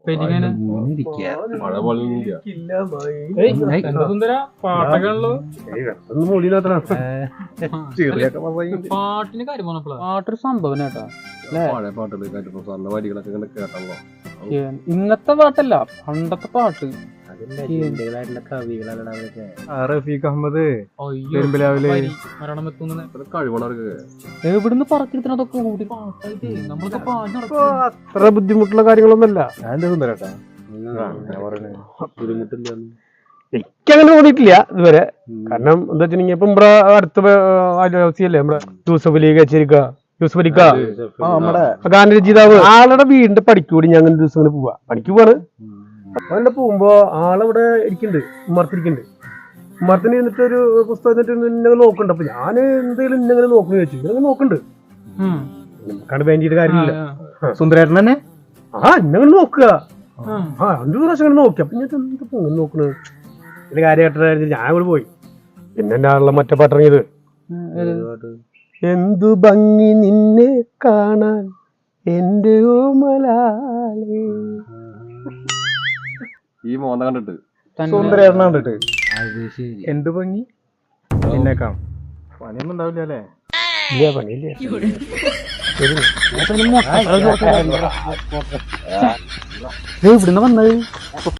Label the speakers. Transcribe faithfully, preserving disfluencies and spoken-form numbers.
Speaker 1: മഴ പോലെ
Speaker 2: സുന്ദര പാട്ടൊക്കെ
Speaker 3: പാട്ടിന് കാര്യം പറഞ്ഞപ്പോഴാ പാട്ടൊരു സംഭവം കേട്ടാ
Speaker 1: പഴയ പാട്ടുകൾ സാറിന്റെ വരികളൊക്കെ ഇങ്ങനെ കേട്ടല്ലോ.
Speaker 3: ഇന്നത്തെ പാട്ടല്ല പണ്ടത്തെ പാട്ട്.
Speaker 2: റഫീഖ് അഹമ്മദ്
Speaker 1: കഴിവണവർക്ക്
Speaker 3: എവിടുന്ന് പറക്കിരുത്തതൊക്കെ കൂടി പാട്ടായിട്ട് നമ്മളൊക്കെ പാട്ട്
Speaker 2: അത്ര ബുദ്ധിമുട്ടുള്ള കാര്യങ്ങളൊന്നുമല്ല. എനിക്കങ്ങനെ തോന്നിയിട്ടില്ല ഇതുവരെ. കാരണം എന്താ വെച്ചിട്ടുണ്ടെങ്കിൽ ഇപ്പൊ നമ്മുടെ അടുത്ത അയൽവാസിയല്ലേ നമ്മുടെ യൂസഫ് അലി കച്ചേരിക്ക യൂസഫ് അലിക്ക നമ്മുടെ ഗാനരചയിതാവ് ആളുടെ വീടിന്റെ പണിക്കൂടി ഞാൻ അങ്ങനെ ദിവസം ഇങ്ങനെ പോവാ പണിക്ക് പോവാണ്. അവിടെ പോകുമ്പോ ആളവിടെ ഇരിക്കുന്നുണ്ട്, ഉമ്മർത്തിരിക്കുന്നുണ്ട്. ഉമ്മർത്തിന് എന്നിട്ട് ഒരു പുസ്തകം ഇന്നെ നോക്കുന്നുണ്ട്. അപ്പൊ ഞാൻ എന്തെങ്കിലും ഇന്നങ്ങനെ നോക്കുന്നു ചോദിച്ചു. ഇങ്ങനെ നോക്കുന്നുണ്ട്, നമുക്കാണ് വേണ്ടിയിട്ട് കാര്യമില്ല.
Speaker 3: സുന്ദരേട്ടൻ തന്നെ
Speaker 2: ആ ഇന്നങ്ങനെ നോക്കുക. ആ രണ്ടു പ്രാവശ്യം അങ്ങനെ നോക്കി. അപ്പൊ ഞാൻ ഇങ്ങനെ നോക്കണത് ഇതിന്റെ കാര്യമായിട്ട് ഞാൻ ഇവിടെ പോയി. പിന്നെ എന്റെ ആളുള്ള മറ്റേ പാട്ടിറങ്ങിയത് എന്തു ഭംഗി നിന്നെ കാണാൻ എന്റെ ഓമലാലേ.
Speaker 1: ഈ മോന്ത കണ്ടിട്ട്
Speaker 2: സുന്ദരേട്ടൻ കണ്ടിട്ട് എന്ത് ഭംഗി നിന്നെ കാണാം. പണിയൊന്നും ഉണ്ടാവില്ല അല്ലേ? ഇല്ല, പണിയില്ല.
Speaker 3: ഇവിടുന്ന് വന്നത്